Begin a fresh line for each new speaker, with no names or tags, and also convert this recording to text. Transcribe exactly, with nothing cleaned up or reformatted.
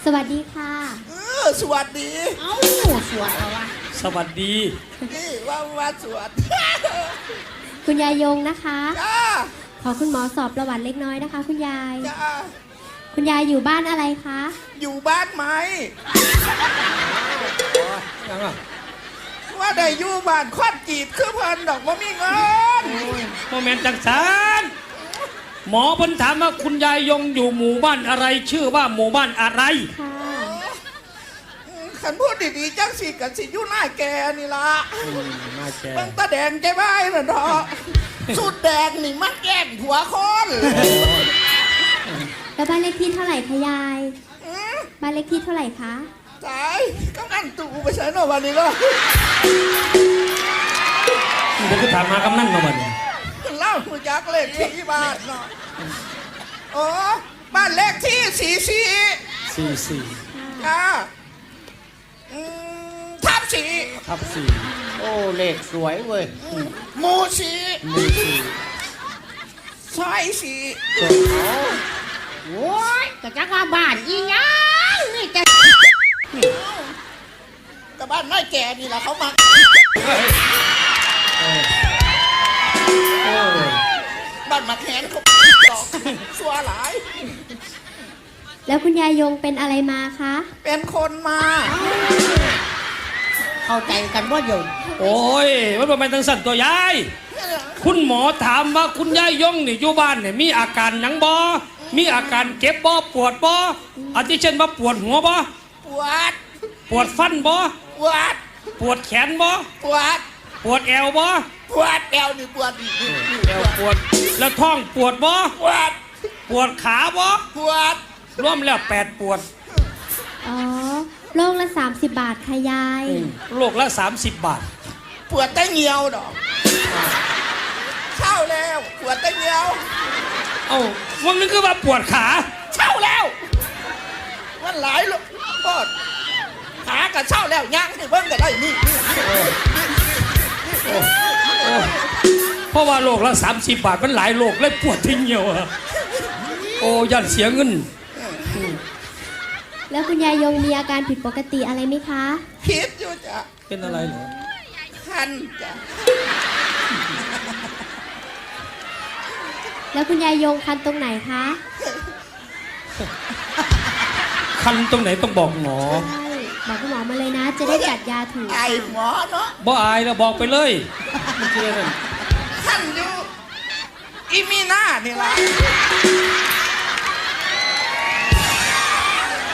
วัสดีค่ะ
เออสวัสดี
เอ้าสวยเหรอวะ
สวัสดี
นี่ว่าว่าสวัสดี
คุณยายยงนะคะ
จ้า
ขอคุณหมอสอบประวัติเล็กน้อยนะคะ คุณยาย
จ้า
คุณยายอยู่บ้านอะไรคะ
อยู่บ้านไหม
ยังอ่ะ
ว่าได้อยู่บ้านคอนกรีตคือเพิ่นดอกว่ามีเงิน
โมเมนต์จังสันหมอเพิ่นถามว่าคุณยายยงอยู่หมู่บ้านอะไรชื่อว่าหมู่บ้านอะไร
ค่ะ
ขันพูดดีๆจังสิกันสิอยู่หน้าแกนี่ล่ะ
หน้าแก
มันตาแดงใจบ้ายน่ะเนาะสุดแดงนี่มันแกล้งผัวคน
แล้วบ้านเลขที่เท่าไหร่คะยายบ้านเลขที่เท่าไหร่คะ
ตายก็นั่นตู่ไปใช้หน่อยวันนี้ก็
เดี๋ยวก็ถามมากำนันมาวันนี้
เล่าคุณยักษ์เลขที่บ้านเนาะโอ้บ้านเลขที่สี่สี่
สี่สี่
อ่าทับสี่
ทับสี่
โอ้เลขสวยเว้ย
หมูสี่
หมูสี่
ซอยสี่
โอ้ยแต่จักว่าบ้านอีหยังนี่จะ
กับบ้านน้อยแก่นี่แหละเขามาบ้านมาแขนเขาตอกชัวหลาย
แล้วคุณยายยงเป็นอะไรมาคะ
เป็นคนมา
เข้าใจกันว่าอยู่
โอ้ยมันเป็นตั้งสั่นตัวยายคุณหมอถามว่าคุณยายยงนี่อยู่บ้านเนี่ยมีอาการหยังบ่มีอาการเจ็บบ่ปวดบ่อาทิเช่นว่าปวดหัวบ่
ปวด
ปวดฟันบ่
ปวด
ปวดแขนบ่
ปวด
ปวดแอวบ่
ปวดแอวนี่ปวด
แอวปวดแล้วท้องปวดบ่
ปวด
ปวดขาบ่
ปวด
รวมแล้วแปดปวด
อ๋อโลกละสามสิบบาทค่ะยาย
โลกละสามสิบบาท
ปวดแต่เหี่ยวดอกเช่าแล้วปวดแต่เหี่ยว
เอ้าวันนึงคือว่าปวดขา
เช่าแล้วมันหลายลูกปวดขากับเช่าแล้วย่างนี่เบิ่งกันได้นี่
เพราะว่าโลกละสามสิบบาทมันหลายโลกเลยปวดทิ้งเหี่ยวอะโอ้ยันเสียเงิน
แล้วคุณยายยงมีอาการผิดปกติอะไรไหมคะ
คิดอยู่จ้ะ
เป็นอะไรเหรอ
คันจ้ะ
แล้วคุณยายยงคันตรงไหนคะ
คันตรงไหนต้องบอกหมอ
ใช่บอกคุณหมอมาเลยนะจะได้จัดยาถูก
ไอหมอเนาะ
บ่อายแล้วบอกไปเลย
คันอยู่อีมีหน้านี่ล่ะ